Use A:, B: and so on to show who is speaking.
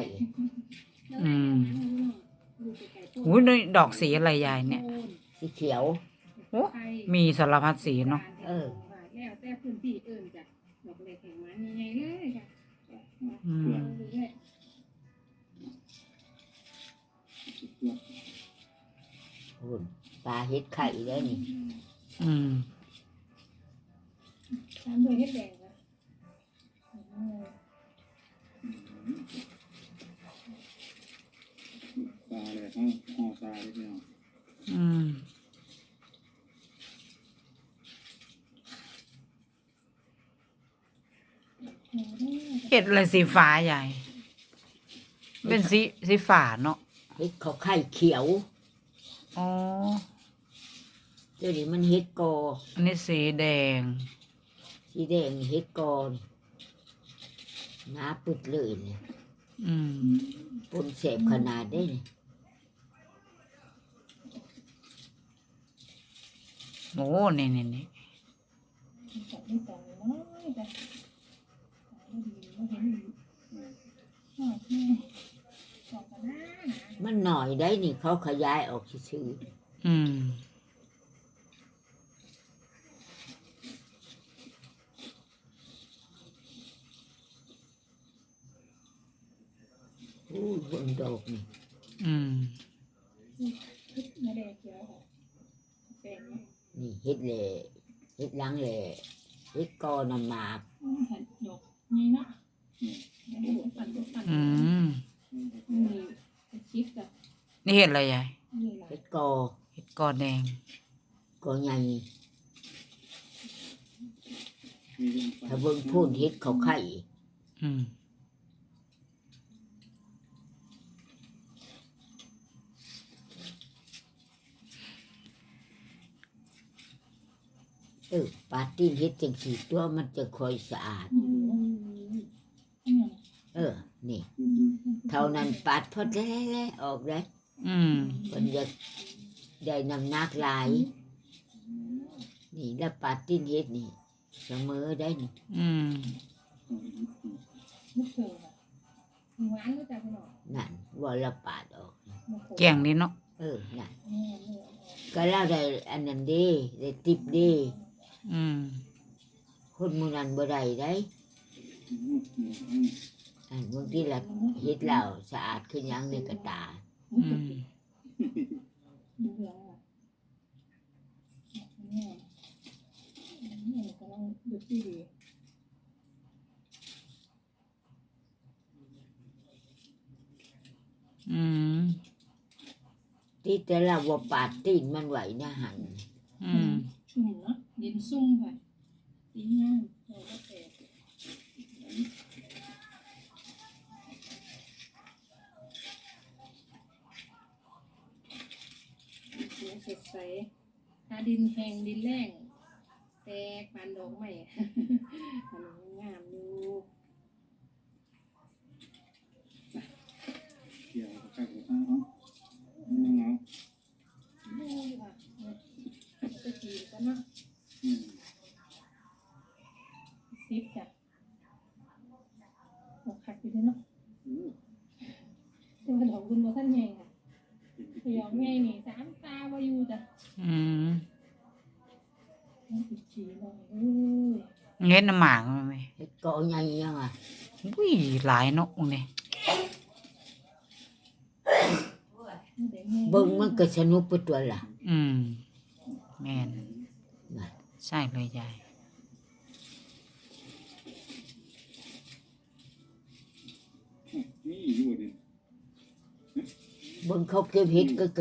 A: อืมอุ้ยดอกสีอะไรยายเนี่ย
B: สีเขียว
A: โอ้มีสารพัดสีเนาะ
C: แล้วแต่พื้นที่อื่นจ้ะดอกเล็กแห่งมันใหญ่ๆเลยจ้ะ
B: หุ่นปลาเฮ็ดไข่ได้นี่
C: ตามด้วยเฮ็ดแดงจ้ะ
D: ปลาเลยห่อปลาเลยพี่น้อง
A: เห็ดอะไรสีฟ้าใหญ่เป็นสีฟ้าเนาะ
B: เฮ็ดเขาไข่เขียว
A: อ๋อ
B: เดี๋ยวนี้มันเฮ็ดกอ
A: อันนี้สีแดง
B: เฮ็ดกอหนาปึดเลยเนี่ยปนเสพขนาดได้เนี่ย
A: โอ้นี่
B: มันหน่อยได้นี่เขาขยายออกชื่อบนดอกนี่นี่เฮ็ดเลยเฮ็ดหลังเลยเฮ็ดกอนำหมาก
C: นี่เนาะ
A: นี่เห็ดอะไรยาย
B: เฮ็ด
A: กอแดง
B: กอใหญ่ถ้าเบิ่งพูนเฮ็ดเขาไข่ปาตี้เฮ็ดจังสีตัวมันจะค่อยสะอาดนี่เท่านั้นปาดพอแล้วออกเลยมันจะได้น้ำหนักหลายนี่แล้วปาตี้เฮ็ดนี่เสมอได้นี่นั่นว่าละปาดออก
A: แก่งนี่เนาะ
B: นั่นก็แล้วได้อันนั้นดีได้ติบดีคนมูนันบ่ได้ได้อันบางทีละเฮ็ดแล้วสะอาดขึ้นยังในกระตาที่แต่ละว่าปาดตีนมันไหวนะหัน
C: ชุ่มเนาะดินซุ่มค่ะดินง่ายเราก็แตกเสียสดใสถ้าดินแห้งดินแรงแตกปานดอกไม้มันงามอยู่
D: เกี่ยวกับข้าวของข้าวเนาะ
C: ไปจีบกันเนาะซิปจ้ะดอกขัดอยู่ด้วยเนาะแต่ว่าดอกคุณบ่ท่านใหญ่ค่ะดอกใหญ่นี่3 ตาบ่อยู่จ้ะติดจีหน่อย
A: เงี้ยน้ำหมากมั้ย
B: เฮ็ดกอใหญ่ยังอ่ะ
A: อุ้ยหลายเนาะนี่
B: เบิ่งมันก็สนุกไปตัวล่ะ
A: แม่นใช่เลยยาย
D: นี่อยู่ดิ
B: เบิ่งเขาเก็บเห็ดก็